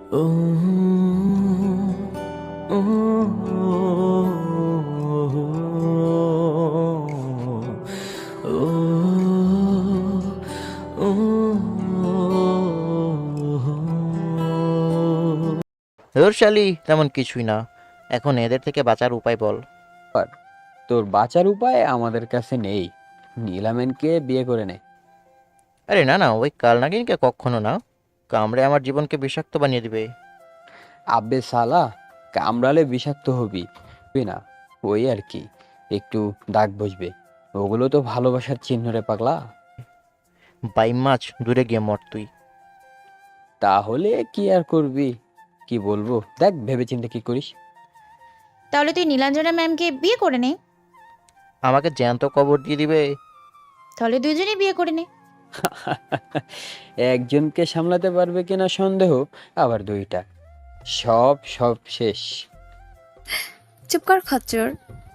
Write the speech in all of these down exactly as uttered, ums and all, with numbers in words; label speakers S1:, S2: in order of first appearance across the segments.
S1: ও ও ধুর শালি, তেমন কিছুই না। এখন এদের থেকে বাঁচার উপায় বল।
S2: আর তোর বাঁচার উপায় আমাদের কাছে নেই। নীলামেনকে বিয়ে করে নে।
S1: আরে না না, ওই কাল নাগিনকে কখনো না। কামড়ে আমার জীবনকে বিষাক্ত বানিয়ে দিবে।
S2: আব্বে সালা, কামড়ালে বিষাক্ত হবি তুই না, ওই আর কি, একটু দাগ বসবে। ওগুলো তো ভালোবাসার চিহ্ন রে পাগলা।
S1: বাইম মাছ, দূরে গিয়ে মর তুই।
S2: তাহলে কি আর করবি, কি বলবো, দেখ ভেবেচিন্তে কি করিস।
S3: তাহলে তুই নীলাঞ্জনা ম্যামকে বিয়ে করে নে।
S1: আমাকে জ্যান্ত কবর দিয়ে দিবে।
S3: তাহলে দুজনেই বিয়ে করে নে।
S2: একজনকে সামলাতে পারবে কিনা সন্দেহ, আবার দুইটা, সব সব শেষ।
S4: চুপ কর খচ্চর।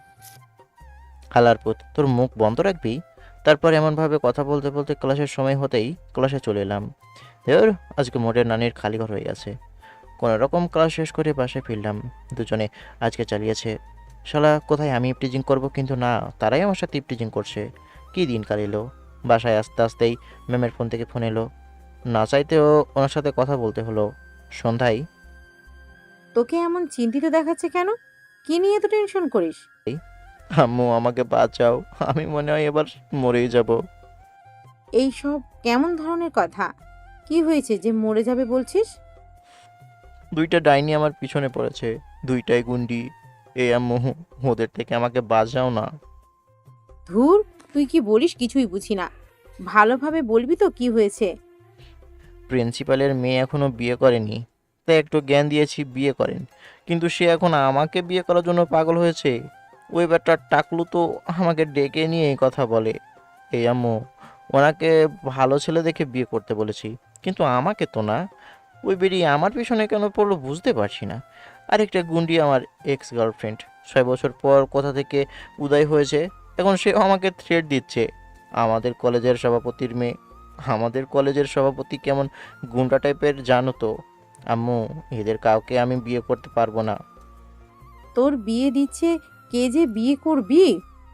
S1: হালার পুত, তোর মুখ বন্ধ রাখবি। তারপর এমনভাবে কথা বলতে বলতে ক্লাসের সময় হতেই ক্লাসে চলে এলাম। ধুর, আজকে মোটের নানির খালি ঘর হয়ে গেছে। কোনো রকম ক্লাস শেষ করে বাসায় ফিরলাম। দুজনে আজকে চালিয়েছে। শালা, কোথায় আমি ইপটিজিং করব, কিন্তু না, তারাই আমার সাথে ইপটিজিং করছে। কী দিনকাল এলো। বাসায় আসতে আসতেই ম্যামের ফোন থেকে ফোন এলো। না চাইতেও ওনার সাথে কথা বলতে হলো। সন্ধ্যায়
S5: তোকে এমন চিন্তিত দেখাচ্ছে কেন? কি নিয়ে এত টেনশন করিস?
S1: আম্মু, আমাকে বাঁচাও, আমি মনে হয় এবার মরেই যাব।
S5: এই সব কেমন ধরনের কথা? কি হয়েছে যে মরে যাবে বলছিস?
S1: দুইটা ডাইনি আমার পিছনে পড়েছে। দুইটাই গুন্ডি। এ আম্মু, ওদের থেকে আমাকে বাঁচাও না।
S5: ধুর, তুই কি বলিস কিছুই বুঝি না। ভালোভাবে বলবি তো কি হয়েছে?
S1: প্রিন্সিপালের মেয়ে এখনো বিয়ে করেনি, তাই একটু জ্ঞান দিয়েছি বিয়ে করেন। কিন্তু সে এখন আমাকে বিয়ে করার জন্য পাগল হয়েছে। ওই ব্যাটার টাকলু তো আমাকে ডেকে নিয়ে এই কথা বলে। এই আম্মু, ওনাকে ভালো ছেলে দেখে বিয়ে করতে বলেছি, কিন্তু আমাকে তো না। ওই বেরিয়ে আমার পিছনে কেন পড়লো বুঝতে পারছি না। আরেকটা গুন্ডি আমার এক্স গার্লফ্রেন্ড, ছয় বছর পর কোথা থেকে উদয় হয়েছে। এখন সে আমাকে থ্রেট দিচ্ছে। আমাদের কলেজের সভাপতির মেয়ে। আমাদের কলেজের সভাপতি কেমন গুন্ডা টাইপের জানো তো। আম্মু, এদের কাউকে আমি বিয়ে করতে পারবো না।
S5: তোর বিয়ে দিচ্ছে, কে যে বিয়ে করবি?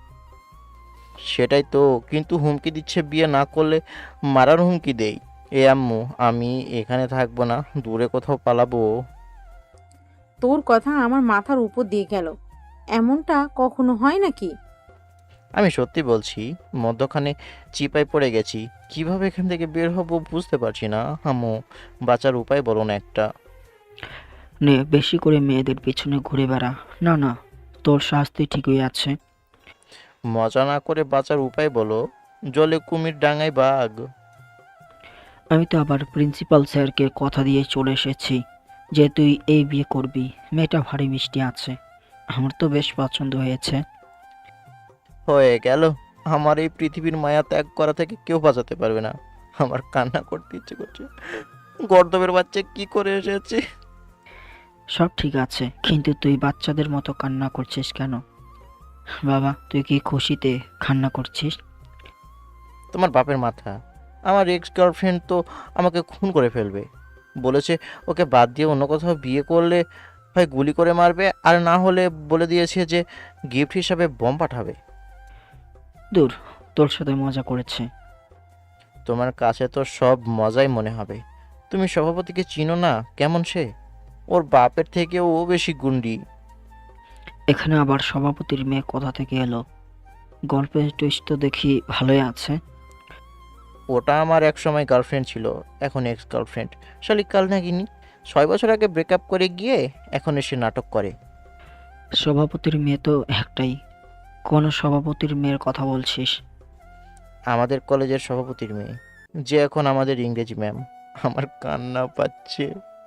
S1: সেটাই তো, কিন্তু হুমকি দিচ্ছে বিয়ে না করলে মারার হুমকি দেই। এ আম্মু, আমি এখানে থাকবো না, দূরে কোথাও পালাবো।
S5: তোর কথা আমার মাথার উপর দিয়ে গেল। এমনটা কখনো হয় নাকি?
S1: আমি সত্যি বলছি, মধ্যখানে চিপায় পড়ে গেছি। কিভাবে এখান থেকে বের হব বুঝতে পারছি না। আম্মু, বাঁচার উপায় বলো না একটা।
S6: নে, বেশি করে মেয়েদের পিছনে ঘুরে বেড়া। না না, তোর শাস্তি ঠিকই আছে।
S1: মজা না করে বাঁচার উপায় বলো। জলে কুমির, ডাঙায় বাঘ।
S6: আমি তো আবার প্রিন্সিপাল স্যারকে কথা দিয়ে চলে এসেছি যে তুই এই বিয়ে করবি। মেয়েটা ভারী মিষ্টি আছে, আমার তো বেশ পছন্দ হয়েছে।
S1: হয়ে গেল। আমার এই পৃথিবীর মায়া ত্যাগ করা থেকে কেউ বাঁচাতে পারবে না। আমার কান্না করতে ইচ্ছে করছে। গর্দবের বাচ্চা কি করে এসেছে।
S6: সব ঠিক আছে, কিন্তু তুই বাচ্চাদের মতো কান্না করছিস কেন? বাবা, তুই কি খুশিতে কান্না করছিস?
S1: তোমার বাপের মাথা। আমার এক্স গার্লফ্রেন্ড তো আমাকে খুন করে ফেলবে। বলেছে ওকে বাদ দিয়ে অন্য কোথাও বিয়ে করলে হয় গুলি করে মারবে, আর না হলে বলে দিয়েছে যে গিফট হিসাবে বম পাঠাবে।
S6: দূর, তোর সাথে মজা করেছে।
S1: তোমার কাছে তো সব মজাই মনে হবে। তুমি সভাপতিকে চিনো না? কেমন সে? ওর বাপের থেকেও ও বেশি গুন্ডি।
S6: এখানে আবার সভাপতির মেয়ে কোথা থেকে এলো? গল্পের টুইস্ট তো দেখি ভালোই আছে।
S1: ওটা আমার এক সময় গার্লফ্রেন্ড ছিল, এখন এক্স গার্লফ্রেন্ড। শালিক কাল নাগিনি। ছয় বছর আগে ব্রেকআপ করে গিয়ে এখন এসে নাটক করে।
S6: সভাপতির মেয়ে তো একটাই। কোন সভাপতির মেয়ের কথা বলছিস?
S1: আমাদের কলেজের সভাপতির মেয়ে, যে এখন আমাদের ইংরেজি ম্যাম। আমার কান্না পাচ্ছে।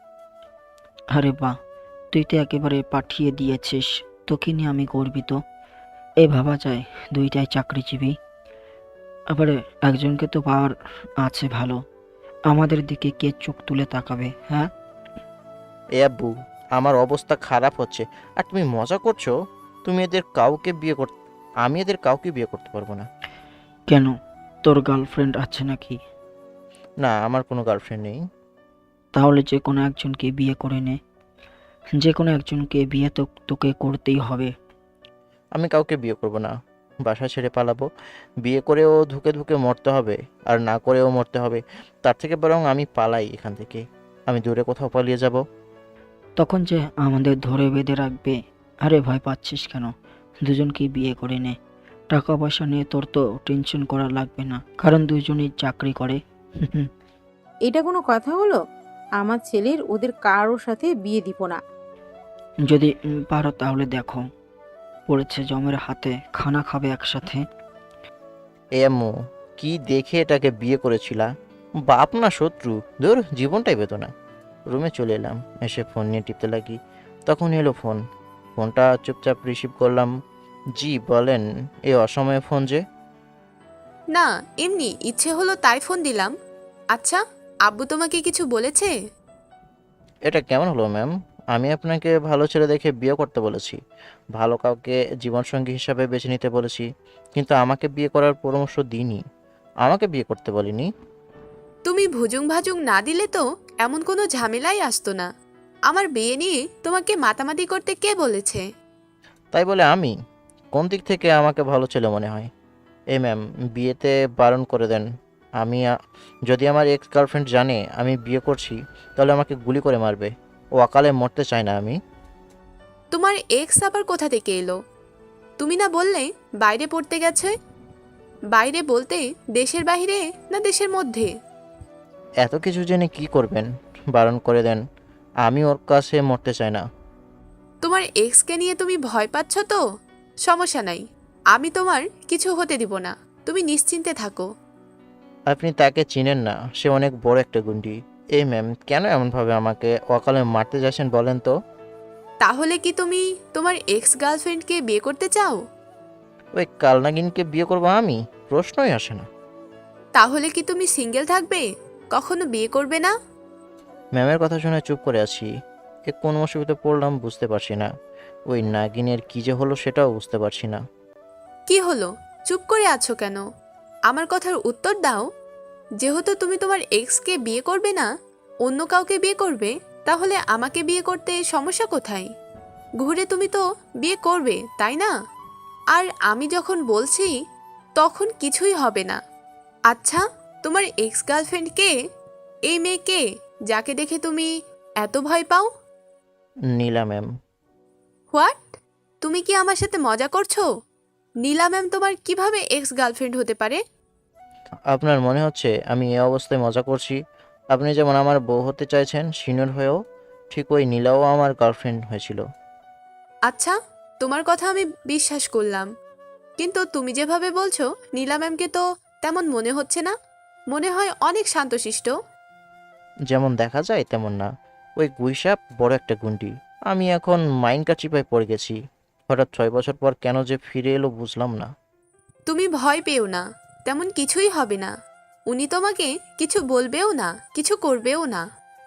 S6: আরে বাহ, তুই তো একেবারে পাঠিয়ে দিয়েছিস। তোকে নিয়ে আমি গর্বিত। এই ভাবা যায় দুইটাই চাকরিজীবী, আবার একজনকে তো পাওয়ার আছে ভালো। আমাদের দিকে কে চোখ তুলে তাকাবে, হ্যাঁ?
S1: এ আব্বু, আমার অবস্থা খারাপ হচ্ছে আর তুমি মজা করছো। তুমি এদের কাউকে বিয়ে কর, আমি এদের কাউকে বিয়ে করতে পারবো না।
S6: কেন, তোর গার্লফ্রেন্ড আছে নাকি?
S1: না, আমার কোনো গার্লফ্রেন্ড নেই।
S6: তাহলে যে কোনো একজনকে বিয়ে করে নে। যে কোনো একজনকে বিয়ে তো তোকে করতেই হবে।
S1: আমি কাউকে বিয়ে করব না, বাসা ছেড়ে পালাবো। বিয়ে করেও ধুকে ধুকে মরতে হবে, আর না করেও মরতে হবে। তার থেকে বরং আমি পালাই এখান থেকে, আমি দূরে কোথাও পালিয়ে যাব।
S6: তখন যে আমাদের ধরে বেঁধে রাখবে। আরে ভয় পাচ্ছিস কেন? দুজনকেই বিয়ে করে নে। টাকা পয়সা নিয়ে তোর তো টেনশন করা লাগবে না, কারণ দুজনেই চাকরি করে।
S5: এটা কোনো কথা হলো? আমার ছেলের ওদের কারোর সাথে বিয়ে দিব না।
S6: যদি উম, পারো তাহলে দেখো, পড়েছে জমের হাতে, খানা খাবে একসাথে।
S1: এ আম্মু, কি দেখে এটাকে বিয়ে করেছিলা? বাপ না শত্রু? ধুর, জীবনটাই বেদনা। রুমে চলে এলাম, এসে ফোন নিয়ে টিপতে লাগি। তখন এলো ফোন। ফোনটা চুপচাপ রিসিভ করলাম। জি বলেন, এই অসময়ে ফোন যে?
S7: না, এমনি ইচ্ছে হলো তাই ফোন দিলাম। আচ্ছা, আব্বু তোমাকে কিছু বলেছে?
S1: এটা কেমন হলো ম্যাম? আমি আপনাকে ভালো ছেলে দেখে বিয়ে করতে বলেছি, ভালো কাউকে জীবনসঙ্গী হিসাবে বেছে নিতে বলেছি, কিন্তু আমাকে বিয়ে করার পরামর্শ দিইনি, আমাকে বিয়ে করতে বলিনি।
S7: তুমি ভুজুং ভাজুং না দিলে তো এমন কোনো ঝামেলাই আসতো না। আমার বিয়ে নিয়ে তোমাকে মাতামাতি করতে কে বলেছে?
S1: তাই বলে আমি? কোন দিক থেকে আমাকে ভালো ছেলে মনে হয়? এই ম্যাম, বিয়েতে বারণ করে দেন। আমি আ- যদি আমার এক্স গার্লফ্রেন্ড জানে আমি বিয়ে করছি, তাহলে আমাকে গুলি করে মারবে। ও অকালে মরতে চায় না আমি।
S7: তোমার এক্স আবার কোথা থেকে এলো? তুমি না বললে বাইরে পড়তে গেছে? বাইরে বলতে দেশের বাইরে না দেশের মধ্যে?
S1: এত কিছু জেনে কি করবেন? বারণ করে দেন, আমি ওর কাছে মরতে চাই না।
S7: তোমার এক্সকে নিয়ে তুমি ভয় পাচ্ছ তো? সমস্যা নাই, আমি তোমার কিছু হতে দিব না, তুমি নিশ্চিন্তে থাকো।
S1: আপনি তাকে চিনেন না, সে অনেক বড় একটা গুন্ডি। এই ম্যাম, কেন এমনভাবে আমাকে অকালে মারতে যাচ্ছেন বলেন তো?
S7: তাহলে কি তুমি তোমার এক্স গার্লফ্রেন্ডকে বিয়ে করতে চাও?
S1: ওই কালনাগিনকে বিয়ে করবো আমি? প্রশ্নই আসে না।
S7: তাহলে কি তুমি সিঙ্গেল থাকবে, কখনো বিয়ে করবে না?
S1: ম্যামের কথা শুনে চুপ করে আছি। এ কোন মুসিবতে পড়লাম বুঝতে পারছি না। ওই নাগিনের কি যে হলো সেটাও বুঝতে পারছি না।
S7: কি হলো, চুপ করে আছো কেন? আমার কথার উত্তর দাও। যেহেতু তুমি তোমার এক্সকে বিয়ে করবে না, অন্য কাউকে বিয়ে করবে, তাহলে আমাকে বিয়ে করতে সমস্যা কোথায়? ঘুরে তুমি তো বিয়ে করবে, তাই না? আর আমি যখন বলছি তখন কিছুই হবে না। আচ্ছা, তোমার এক্স গার্লফ্রেন্ড কে? এই মেয়ে কে, যাকে দেখে তুমি এত ভয় পাও?
S1: নীলা ম্যাম।
S7: হোয়াট? তুমি কি আমার সাথে মজা করছো? নীলা ম্যাম তোমার কিভাবে এক্স গার্লফ্রেন্ড হতে পারে?
S1: আপনার মনে হচ্ছে আমি এই অবস্থায় মজা করছি? আপনি যেমন আমার বউ হতে চাইছেন সিনিয়র হয়েও, ঠিক ওই নীলাও আমার গার্লফ্রেন্ড হয়েছিল।
S7: আচ্ছা, তোমার কথা আমি বিশ্বাস করলাম, কিন্তু তুমি যেভাবে বলছো নীলা ম্যামকে তো তেমন মনে হচ্ছে না। মনে হয় অনেক শান্তশিষ্ট।
S1: যেমন দেখা যায় তেমন না। ওই গুইসাপ বড় একটা গুন্ডি। আমি এখন মাইন্ড কাচিপায় পড়ে গেছি। হঠাৎ ছয় বছর পর কেন যে ফিরে এলো বুঝলাম না।
S7: তুমি ভয় পেও না, তেমন কিছুই হবে না। উনি তোমাকে কিছু বলবেও না, কিছু করবেও না।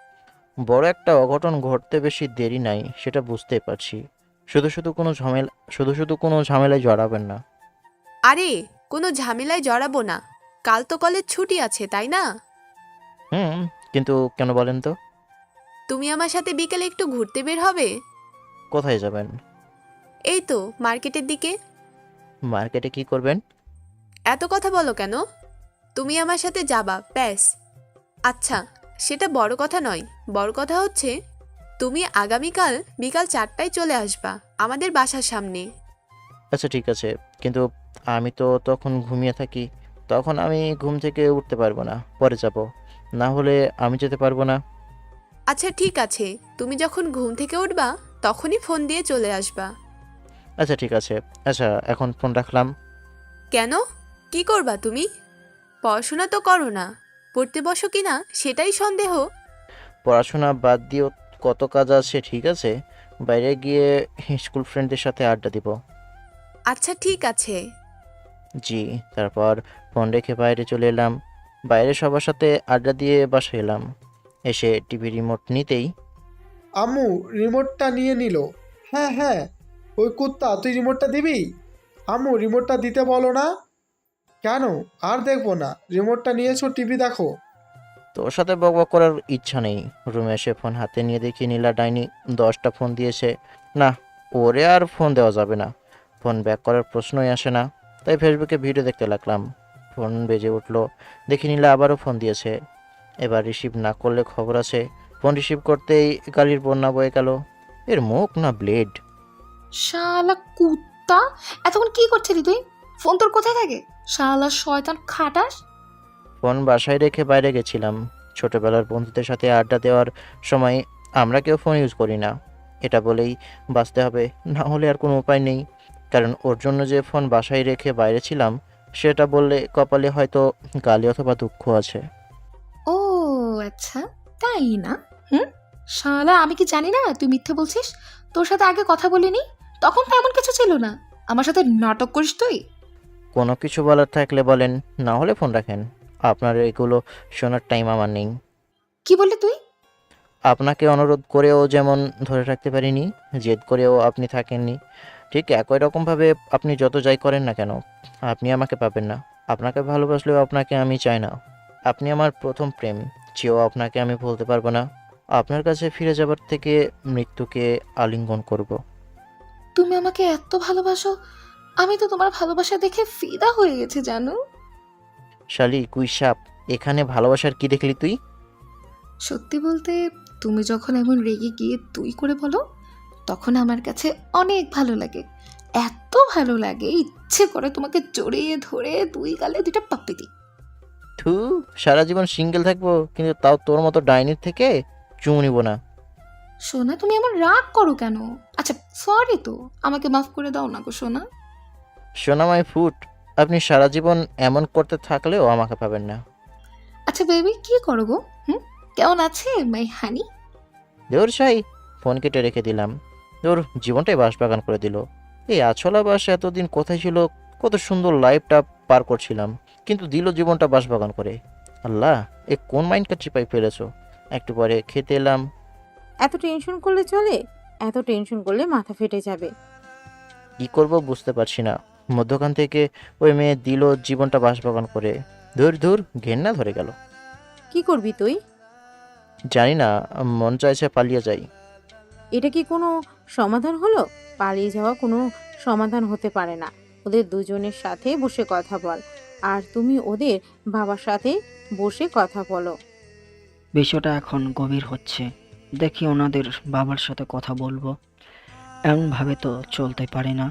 S1: বড় একটা অঘটন ঘটতে বেশি দেরি নাই, সেটা বুঝতেই পারছি। শুধু শুধু কোনো ঝামেলা শুধু শুধু কোনো ঝামেলায় জড়াবেন না।
S7: আরে, কোনো ঝামেলায় জড়াবো না। কাল তো কলেজ ছুটি আছে, তাই না?
S1: হুম, কিন্তু কেন বলেন তো?
S7: তুমি আমার সাথে বিকেলে একটু ঘুরতে বের হবে?
S1: কোথায় যাবেন?
S7: এই তো মার্কেটের দিকে।
S1: মার্কেটে কি করবেন?
S7: এত কথা বলো কেন? তুমি আমার সাথে যাবা, ব্যাস। আচ্ছা, সেটা বড় কথা নয়। বড় কথা হচ্ছে তুমি আগামীকাল বিকাল চারটায় চলে আসবা আমাদের বাসার সামনে।
S1: আচ্ছা ঠিক আছে, কিন্তু আমি তো তখন ঘুমিয়ে থাকি। তখন আমি ঘুম থেকে উঠতে পারবো না, পরে যাব। না হলে আমি যেতে পারবো না।
S7: আচ্ছা ঠিক আছে, তুমি যখন ঘুম থেকে উঠবা তখনই ফোন দিয়ে চলে আসবা।
S1: আচ্ছা ঠিক আছে। আচ্ছা, এখন ফোন রাখলাম।
S7: কেন, কি করবা তুমি? পড়াশোনা তো করো না, পড়তে বসো কিনা সেটাই সন্দেহ।
S1: পড়াশোনা বাদ দিয়েও কত কাজ আছে, ঠিক আছে। বাইরে গিয়ে স্কুল ফ্রেন্ডদের সাথে আড্ডা দিব।
S7: আচ্ছা ঠিক আছে।
S1: জি। তারপর ফোন রেখে বাইরে চলে এলাম। বাইরে সবার সাথে আড্ডা দিয়ে বাসায় এলাম। এসে টিভি রিমোট নিতেই
S8: আম্মু রিমোটটা নিয়ে নিল। হ্যাঁ হ্যাঁ, ওই কুত্তা, তুই রিমোটটা দিবি? আম্মু রিমোটটা দিতে বলো না। কেন? আর দেখবো না, রিমোটটা নিয়েছো, টিভি দেখো।
S1: তোর সাথে বকবক করার ইচ্ছা নেই। রুমে এসে ফোন হাতে নিয়ে দেখি নীলা ডাইনি দশটা ফোন দিয়েছে। না, ওরে আর ফোন দেওয়া যাবে না। ফোন ব্যাক করার প্রশ্নই আসে না। তাই ফেসবুকে ভিডিও দেখতে লাগলাম। ফোন বেজে উঠলো, দেখি নীলা আবারও ফোন দিয়েছে। এবার রিসিভ না করলে খবর আছে। ফোন রিসিভ করতেই গালির বন্যা বয়ে গেল। এর মুখ না ব্লেড।
S9: শালা কুত্তা, এতক্ষণ কি করছিলি তুই? ফোন তোর কোথায় থাকে? শালা শয়তান খাটাস।
S1: ফোন বাসায় রেখে বাইরে গেছিলাম। ছোটবেলার বন্ধুদের সাথে আড্ডা দেওয়ার সময় আমরা কেউ ফোন ইউজ করি না, এটা বলেই বাঁচতে হবে, না হলে আর কোনো উপায় নেই। কারণ ওর জন্য যে ফোন বাসায় রেখে বাইরে ছিলাম সেটা বললে কপালে হয়তো গালি অথবা দুঃখ আছে।
S9: ও আচ্ছা, তাই না? হুম, শালা আমি কি জানি না তুই মিথ্যে বলছিস? তোর সাথে আগে কথা বলিনি, তখন তো এমন কিছু ছিল না। আমার সাথে নাটক করিস তুই?
S1: কোনো কিছু বলার থাকলে বলেন, না হলে ফোন রাখেন। আপনার এগুলো শোনার টাইম আমার নেই।
S9: কি বললি তুই?
S1: আপনাকে অনুরোধ করেও যেমন ধরে রাখতে পারিনি, জেদ করেও আপনি থাকেননি, ঠিক একই রকমভাবে আপনি যত যাই করেন না কেন আপনি আমাকে পাবেন না। আপনাকে ভালোবাসলেও আপনাকে আমি চাই না। আপনি আমার প্রথম প্রেম, চেয়েও আপনাকে আমি বলতে পারবো না। আপনার কাছে ফিরে যাবার থেকে মৃত্যুকে আলিঙ্গন করব।
S9: তুমি আমাকে এত ভালোবাসো, আমি তো তোমার ভালোবাসা দেখে ফিদা হয়ে গেছি জানো।
S1: শালি কুই সাপ, এখানে ভালোবাসার কি দেখলি তুই?
S9: সত্যি বলতে, তুমি যখন এমন রেগে গিয়ে তুই করে বলো, তখন আমার কাছে অনেক ভালো লাগে। এত ভালো লাগে ইচ্ছে করে তোমাকে জড়িয়ে ধরে দুই গালে দুইটা পাপ্পি দিই।
S1: থু, সারা জীবন সিঙ্গেল থাকবো, কিন্তু তাও তোর মতো ডাইনির থেকে চুমু নিব না।
S9: সোনা, তুমি এমন রাগ করো কেন? আচ্ছা সরি, তো আমাকে মাফ করে দাও না গো সোনা।
S1: সোনামাই ফুট, আপনি সারা জীবন এমন করতে থাকলেও আমাকে পাবেন না।
S9: আচ্ছা বেবি, কি করো গো? হুম, কেমন আছে মাই হানি?
S1: দেওর সাই, ফোন কেটে রেখে দিলাম। ওর জীবনটাই বাঁশবাগান করে দিল। এই আছলা বাস এতদিন কোথায় ছিল? কত সুন্দর লাইফটা পার করছিলাম, কিন্তু দিল জীবনটা বাঁশবাগান করে। আল্লাহ, এ কোন মাইন্ডটা চিপাই ফেলেছো? একটু পরে খেতে এলাম।
S5: এত টেনশন করলে চলে? এত টেনশন করলে মাথা ফেটে যাবে।
S1: কি করব বুঝতে পারছি না। মধ্যখান থেকে ওই মেয়ে দিল জীবনটা বাঁশবাগান করে। ধুর ধুর, ঘেন্না ধরে গেল।
S5: কি করবি তুই?
S1: জানি না, মন চাইছে পালিয়ে যাই।
S5: এটা কি কোনো সমাধান হলো? পালিয়ে যাওয়া কোনো সমাধান হতে পারে না। ওদের দুজনের সাথে বসে কথা বল, আর তুমি ওদের বাবার সাথে বসে কথা বলো।
S6: বিষয়টা এখন গভীর হচ্ছে। দেখি ওনাদের বাবার সাথে কথা বলবো। এমনভাবে তো চলতে পারে না।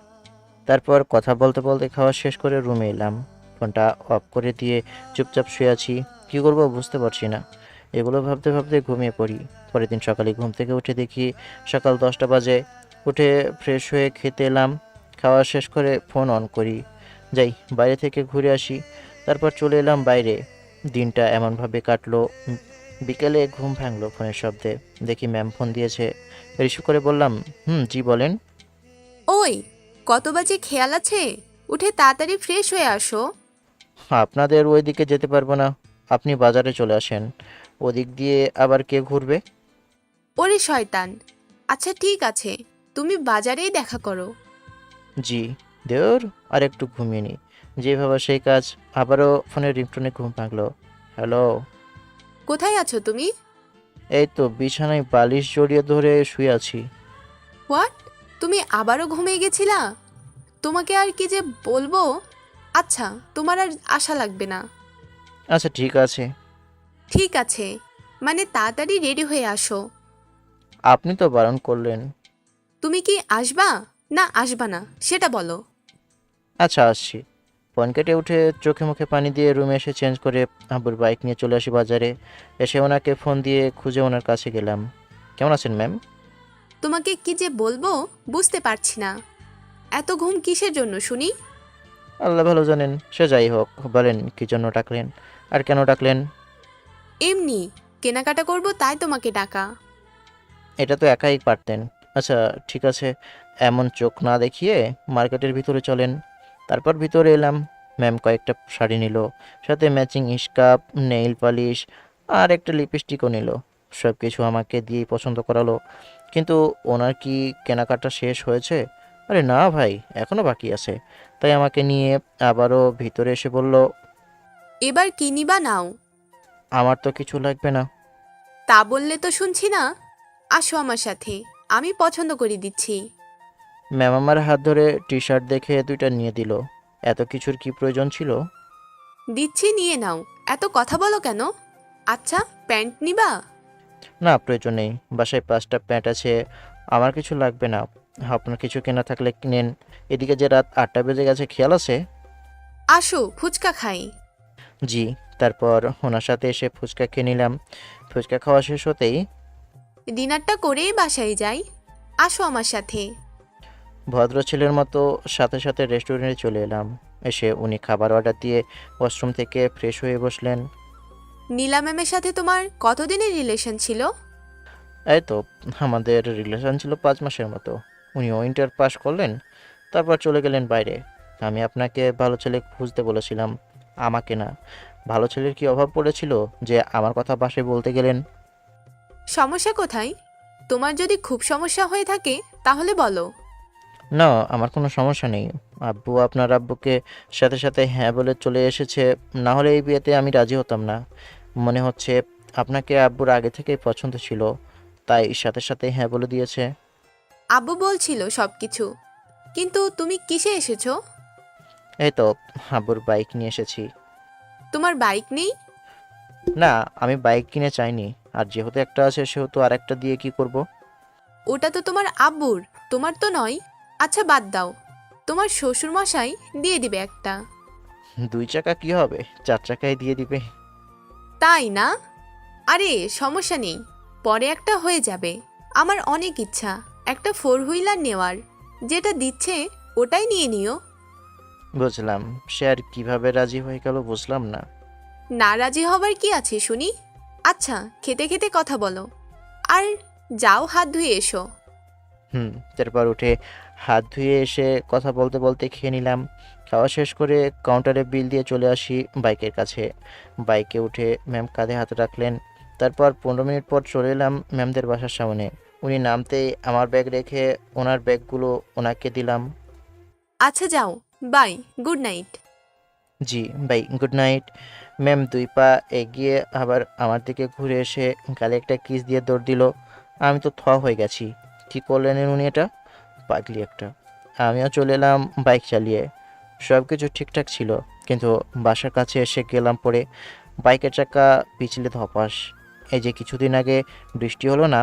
S1: তারপর কথা বলতে বলতে খাওয়া শেষ করে রুমে এলাম। ফোনটা অফ করে দিয়ে চুপচাপ শুয়ে আছি। কী করবো বুঝতে পারছি না। এগুলো ভাবতে ভাবতে ঘুমিয়ে পড়ি। পরের দিন সকালে ঘুম থেকে উঠে দেখি সকাল দশটা বাজে। উঠে ফ্রেশ হয়ে খেতে এলাম। খাওয়া শেষ করে ফোন অন করি, যাই বাইরে থেকে ঘুরে আসি। তারপর চলে এলাম বাইরে। দিনটা এমনভাবে কাটলো, উম, বিকেলে ঘুম ভাঙলো ফোনের শব্দে। দেখি ম্যাম ফোন দিয়েছে। রিসিভ করে বললাম, হুম জি বলেন।
S7: ওই, কত বাজে খেয়াল আছে? উঠে তাড়াতাড়ি ফ্রেশ হয়ে আসো।
S1: আপনাদের ওই দিকে যেতে পারবো না, আপনি বাজারে চলে আসেন। ওদিক দিয়ে আবার কে ঘুরবে?
S7: ওরে শয়তান, আচ্ছা ঠিক আছে, তুমি বাজারেই দেখা করো।
S1: জি। দেওর আর একটু ঘুমিয়ে নি, যে ভাবা সেই কাজ। আবারও ফোনের রিংটোনে ঘুম ভাঙলো। হ্যালো।
S7: কোথায় আছো তুমি?
S1: এই তো বিছানায় বালিশ জড়িয়ে ধরে শুয়ে আছি।
S7: হোয়াট? তুমি আবারও ঘুমিয়ে গেছিলা? তোমাকে আর কি যে বলবো। আচ্ছা, তোমার আর আশা লাগবে না।
S1: আচ্ছা ঠিক আছে।
S7: ঠিক আছে মানে তাড়াতাড়ি রেডি হয়ে আসো।
S1: আপনি তো বারণ করলেন।
S7: তুমি কি আসবা না আসবা না সেটা বলো।
S1: আচ্ছা আসছি। ফোন কেটে উঠে চোখে মুখে পানি দিয়ে রুমে এসে চেঞ্জ করে আব্বুর বাইক নিয়ে চলে আসি বাজারে। এসে ওনাকে ফোন দিয়ে খুঁজে ওনার কাছে গেলাম। কেমন আছেন ম্যাম?
S7: তোমাকে কি যে বলবো বুঝতে পারছি না। এত ঘুম কিসের জন্য শুনি?
S1: আল্লাহ ভালো জানেন। সে যাই হোক, বলেন কী জন্য ডাকলেন আর কেন ডাকলেন?
S7: এমনি কেনাকাটা করব তাই তোমাকে ডাকা।
S1: এটা তো একাই পারতেন। আচ্ছা ঠিক আছে, এমন চোখ না দেখিয়ে মার্কেটের ভিতরে চলেন। তারপর ভিতরে এলাম। ম্যাম কয়েকটা শাড়ি নিল, সাথে ম্যাচিং স্কার্ফ, নেইল পালিশ আর একটা লিপস্টিকও নিল। সব কিছু আমাকে দিয়েই পছন্দ করালো। কিন্তু ওনার কি কেনাকাটা শেষ হয়েছে? আরে না ভাই, এখনও বাকি আছে। তাই আমাকে নিয়ে আবারও ভিতরে এসে বলল,
S7: এবার কি নিবা নাও।
S1: আমার তো কিছু লাগবে না।
S7: তা বললে তো শুনছি না। আসো আমার সাথে, আমি পছন্দ করে দিচ্ছি।
S1: ম্যাম আমার হাত ধরে টি শার্ট দেখে দুইটা নিয়ে দিল। এত কিছুর কি প্রয়োজন ছিল?
S7: দিচ্ছি, নিয়ে নাও। এত কথা বলো কেন? আচ্ছা, প্যান্ট নিবা?
S1: না, প্রয়োজন নেই। বাসায় পাঁচটা প্যান্ট আছে, আমার কিছু লাগবে না। আপনার কিছু কেনা থাকলে কিনেন। এদিকে যে রাত আটটা বেজে গেছে, খেয়াল আছে?
S7: আসো, ফুচকা খাই।
S1: জি। তারপর ওনার সাথে এসে ফুচকা খেয়ে নিলাম। ফুচকা খাওয়া শেষ হতেই
S7: ডিনারটা করেই বাসায় যাই। আসো আমার সাথে।
S1: ভদ্র ছেলের মতো সাথে সাথে রেস্টুরেন্টে চলে এলাম। এসে উনি খাবার অর্ডার দিয়ে ওয়াশরুম থেকে ফ্রেশ হয়ে বসলেন।
S7: নীলা ম্যামের সাথে তোমার কতদিনের রিলেশন ছিল?
S1: এই তো, আমাদের রিলেশন ছিল পাঁচ মাসের মতো। উনিও ইন্টার পাস করলেন, তারপর চলে গেলেন বাইরে। আমি আপনাকে ভালো ছেলে খুঁজতে বলেছিলাম, আমাকে না। ভালো ছেলের কি অভাব পড়েছিল যে আমার কথা বাসায় বলতে গেলেন?
S7: সমস্যা কোথায়? তোমার যদি খুব সমস্যা হয়ে থাকে তাহলে বলো।
S1: না, আমার কোনো সমস্যা নেই। আব্বু আপনার আব্বুকে সাথে সাথে হ্যাঁ বলে চলে এসেছে। না হলে এই বিয়েতে আমি রাজি হতাম না। মনে হচ্ছে আপনাকে আব্বুর আগে থেকেই পছন্দ ছিল, তাই সাথে সাথে হ্যাঁ বলে দিয়েছে।
S7: আব্বু বলছিল সব কিছু, কিন্তু তুমি কিসে এসেছো?
S1: এই তো, আব্বুর বাইক নিয়ে এসেছি।
S7: তোমার বাইক নেই?
S1: না, আমি বাইক কিনে চাইনি। আর যেহেতু একটা আছে সেহেতু আর একটা দিয়ে কি করব?
S7: ওটা তো তোমার আব্বুর, তোমার তো নয়। আচ্ছা বাদ দাও, তোমার শ্বশুর মশাই দিয়ে দিবে একটা।
S1: দুই চাকা কি হবে, চার চাকায় দিয়ে দিবে।
S7: তাই না? আরে সমস্যা নেই, পরে একটা হয়ে যাবে। আমার অনেক ইচ্ছা একটা ফোর হুইলার নেওয়ার। যেটা দিচ্ছে ওটাই নিয়ে নিও।
S1: বুঝলাম। সে আর কিভাবে রাজি হয়ে গেল বুঝলাম না।
S7: না রাজি হবার কি আছে শুনি? আচ্ছা, খেতে খেতে কথা বলো। আর যাও, হাত ধুয়ে এসো।
S1: হুম। তারপর উঠে হাত ধুয়ে এসে কথা বলতে বলতে খেয়ে নিলাম। খাওয়া শেষ করে কাউন্টারে বিল দিয়ে চলে আসি বাইকের কাছে। বাইকে উঠে ম্যাম কাঁধে হাত রাখলেন। তারপর পনেরো মিনিট পর চলে এলাম ম্যামদের বাসার সামনে। উনি নামতেই আমার ব্যাগ রেখে ওনার ব্যাগগুলো ওনাকে দিলাম।
S7: আচ্ছা যাও, বাই, গুড নাইট।
S1: জি বাই, গুড নাইট। ম্যাম দুই পা এগিয়ে আবার আমার দিকে ঘুরে এসে গালে একটা কিস দিয়ে দৌড় দিল। আমি তো থ হয়ে গেছি। কী করলেন উনি এটা? পাগলি একটা। আমিও চলে এলাম বাইক চালিয়ে। সব কিছু ঠিকঠাক ছিল, কিন্তু বাসার কাছে এসে গেলাম পরে বাইকের চাকা পিছলে ধপাস। এই যে কিছুদিন আগে বৃষ্টি হলো না,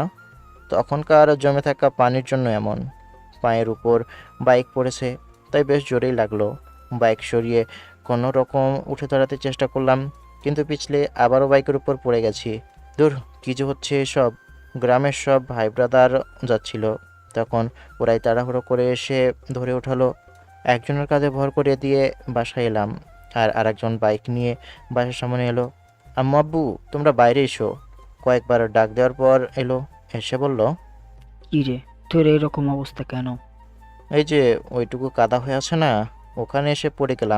S1: তখনকার জমে থাকা পানির জন্য এমন। পায়ের উপর বাইক পড়েছে, তাই বেশ জোরেই লাগলো। বাইক সরিয়ে কোনো রকম উঠে দাঁড়াতে চেষ্টা করলাম, কিন্তু পিছলে আবারও বাইকের উপর পড়ে গেছি। দূর, কী যে হচ্ছে এসব! গ্রামের সব ভাই ব্রাদার যাচ্ছিল, তখন ওরাই তাড়াহুড়ো করে এসে ধরে ওঠালো। একজনের কাঁধে ভর করে দিয়ে বাসায় এলাম, আর আরেকজন বাইক নিয়ে বাসার সামনে এলো। আম্মু আব্বু তোমরা বাইরে এসো। কয়েকবার ডাক দেওয়ার পর এলো, এসে বলল,
S6: কি রে, তোর এরকম অবস্থা কেন?
S1: এই যে ওইটুকু কাদা হয়ে আছে না, ওখানে এসে পড়ে গেলাম।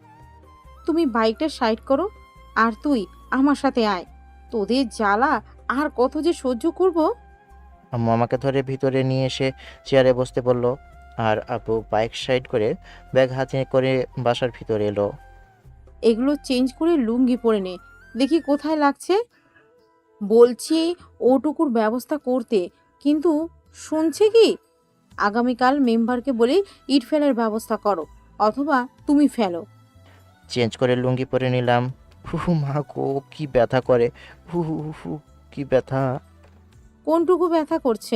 S5: তুমি বাইকটা সাইড করো, আর তুই আমার সাথে আয়। তোদের জ্বালা আর কত যে সহ্য করব।
S1: আম্মু আমাকে ধরে ভিতরে নিয়ে এসে চেয়ারে বসতে বলল, আর আব্বু বাইক সাইড করে ব্যাগ হাতে করে বাসার ভিতরে এলো।
S5: এগুলো চেঞ্জ করে লুঙ্গি পরে নে, দেখি কোথায় লাগছে। বলছি ওটুকুর ব্যবস্থা করতে, কিন্তু শুনছে কি? আগামীকাল মেম্বারকে বলে ইট ফেলার ব্যবস্থা করো, অথবা তুমি ফেলো।
S1: চেঞ্জ করে লুঙ্গি পরে নিলাম। হু হু মা গো, কি ব্যথা করে! হু হু হু হু, কি ব্যথা!
S5: কোনটুকু ব্যথা করছে?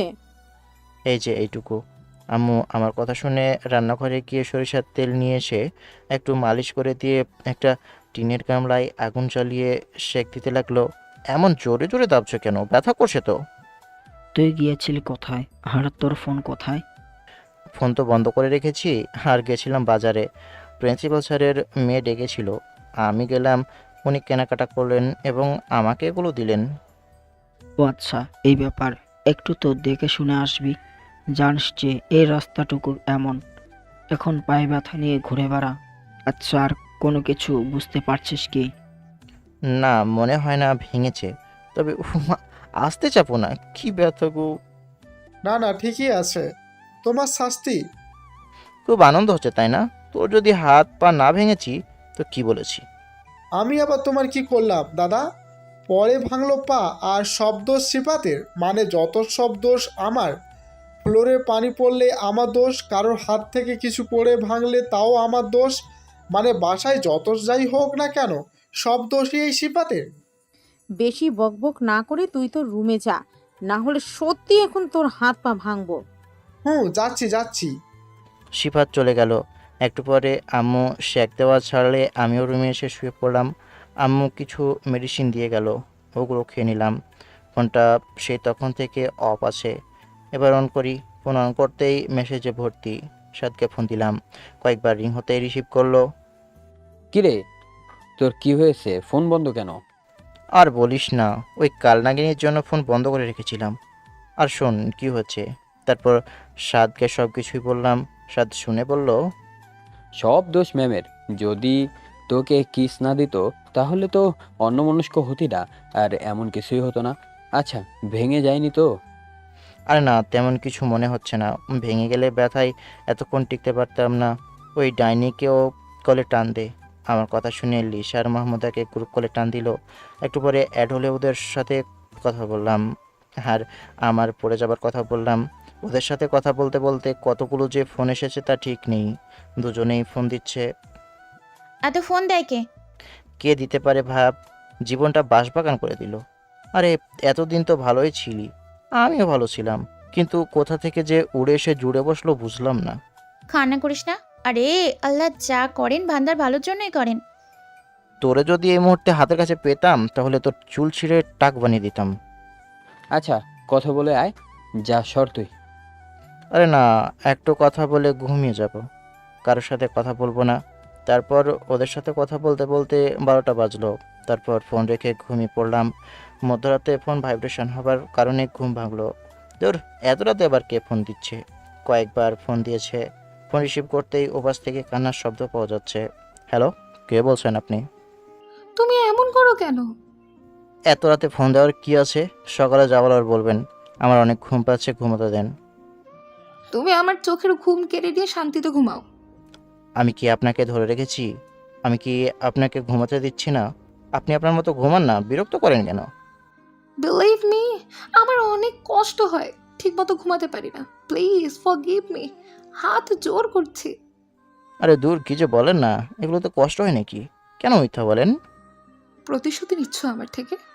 S1: এই যে এইটুকু। আম্মু আমার কথা শুনে রান্নাঘরে গিয়ে সরিষার তেল নিয়ে এসে একটু মালিশ করে দিয়ে একটা টিনের গামলায় আগুন জ্বালিয়ে সেঁক দিতে লাগলো। এমন জোরে জোরে দাবছো কেন? ব্যথা করছে তো।
S6: তুই গিয়েছিলি কোথায়? আর তোর ফোন কোথায়?
S1: ফোন তো বন্ধ করে রেখেছি, আর গেছিলাম বাজারে। প্রিন্সিপাল স্যারের মেয়ে ডেকেছিল, আমি গেলাম। উনি কেনাকাটা করলেন এবং আমাকে এগুলো দিলেন।
S6: ও আচ্ছা, এই ব্যাপার। একটু তো দেখে শুনে আসবি। জানিস যে এই রাস্তাটুকু এমন, এখন পায়ে ব্যথা নিয়ে ঘুরে বেড়া। আচ্ছা, আর কোনো কিছু বুঝতে পারছিস কি?
S1: না, মনে হয় না ভেঙেছে, তবে উফ মা, আসতে চাপো না, কি ব্যথা গো!
S8: না না, ঠিকই আছে, তোমার শাস্তি।
S1: খুব আনন্দ হচ্ছে তাই না? তোর যদি হাত পা না ভেঙেছি তো কি বলেছি?
S8: আমি আবার তোমার কি করলাম দাদা? পরে ভাঙলো পা আর সব দোষ সিফাতের, মানে যত সব দোষ আমার। ফ্লোরে পানি পড়লে আমার দোষ, কারোর হাত থেকে কিছু পড়ে ভাঙলে তাও আমার দোষ, মানে বাসায় যত যাই হোক না কেন সব দোষই এই সিফাতের।
S5: বেশি বকবক না করে তুই তোর রুমে যা, না হলে সত্যি এখন তোর হাত পা ভাঙবো।
S8: হুম, যাচ্ছি যাচ্ছি।
S1: সিফাত চলে গেল। একটু পরে আম্মু শেক দেওয়া ছাড়লে আমিও রুমে এসে শুয়ে পড়লাম। আম্মু কিছু মেডিসিন দিয়ে গেল, ওগুলো খেয়ে নিলাম। ফোনটা সেই তখন থেকে অফ আছে। এবার অন করি। ফোন অন করতেই মেসেজে ভর্তি। সাদকে ফোন দিলাম, কয়েকবার রিং হতেই রিসিভ করলো।
S2: কিরে, তোর কি হয়েছে? ফোন বন্ধ কেন?
S1: আর বলিস না, ওই কালনাগিনীর জন্য ফোন বন্ধ করে রেখেছিলাম। আর শোন কি হচ্ছে। তারপর সাদকে সব কিছুই বললাম। সাদ শুনে বলল,
S2: সব দোষ ম্যামের। যদি তোকে কিস না দিত তাহলে তো অন্যমনস্ক হতি না, আর এমন কিছুই হতো না। আচ্ছা, ভেঙে যায়নি তো?
S1: আরে না, তেমন কিছু মনে হচ্ছে না। ভেঙে গেলে ব্যথায় এতক্ষণ টিকতে পারতাম না। ওই ডাইনিকেও কলে টান দে। আমার কথা শুনে লিসা আর মাহমুদাকে গ্রুপ কলে টান দিল। একটু পরে অ্যাড হলে ওদের সাথে কথা বললাম, আর আমার পড়ে যাবার কথা বললাম। ওদের সাথে কথা বলতে বলতে কতগুলো যে ফোন এসেছে তা ঠিক নেই। দুজনেই ফোন দিচ্ছে।
S3: এত ফোন দেয় কে?
S1: কে দিতে পারে ভাব, জীবনটা বাঁশবাগান করে দিল। আরে এতদিন তো ভালোই ছিলি, আমিও ভালো ছিলাম, কিন্তু কোথা থেকে যে উড়ে এসে জুড়ে বসলো বুঝলাম না।
S3: কান্না করিস না। আরে আল্লাহ যা করেন বান্দার ভালোর জন্যই করেন।
S1: তোরে যদি এই মুহূর্তে হাতের কাছে পেতাম তাহলে তোর চুল ছিঁড়ে টাক বানিয়ে দিতাম।
S2: আচ্ছা, কথা বলে আয়, যা সর তুই।
S1: আরে না, একটু কথা বলে ঘুমিয়ে যাব, কারোর সাথে কথা বলবো না। তারপর ওদের সাথে কথা বলতে বলতে বারোটা বাজলো। তারপর ফোন রেখে ঘুমিয়ে পড়লাম। মধ্যরাতে ফোন ভাইব্রেশন হবার কারণে ঘুম ভাঙলো। তোর এত রাতে আবার কে ফোন দিচ্ছে? কয়েকবার ফোন দিয়েছে। ফোন রিসিভ করতেই ওপাশ থেকে কান্নার শব্দ পাওয়া যাচ্ছে। হ্যালো, কে বলছেন আপনি?
S9: তুমি এমন করো কেন?
S1: এত রাতে ফোন দেওয়ার কি আছে? সকালে যাওয়ার আর বলবেন। আমার অনেক ঘুম পাচ্ছে, ঘুমোতে দেন।
S9: তুমি আমার চোখের ঘুম কেড়ে দিয়ে শান্তিতে ঘুমাও।
S1: আমি কি আপনাকে ধরে রেখেছি? আমি কি আপনাকে ঘুমাতে দিচ্ছি না? আপনি আপনার মতো ঘুমান না, বিরক্ত করেন কেন?
S9: বিলিভ মি, আমার অনেক কষ্ট হয়, ঠিক মতো ঘুমাতে পারি না। প্লিজ ফরগিভ মি, হাত জোর করছি।
S1: আরে দূর, কি যে বলেন না, এগুলো তো কষ্ট হয় নাকি? কেন মিথ্যা বলেন?
S9: প্রতিশোধ নিচ্ছ আমার থেকে?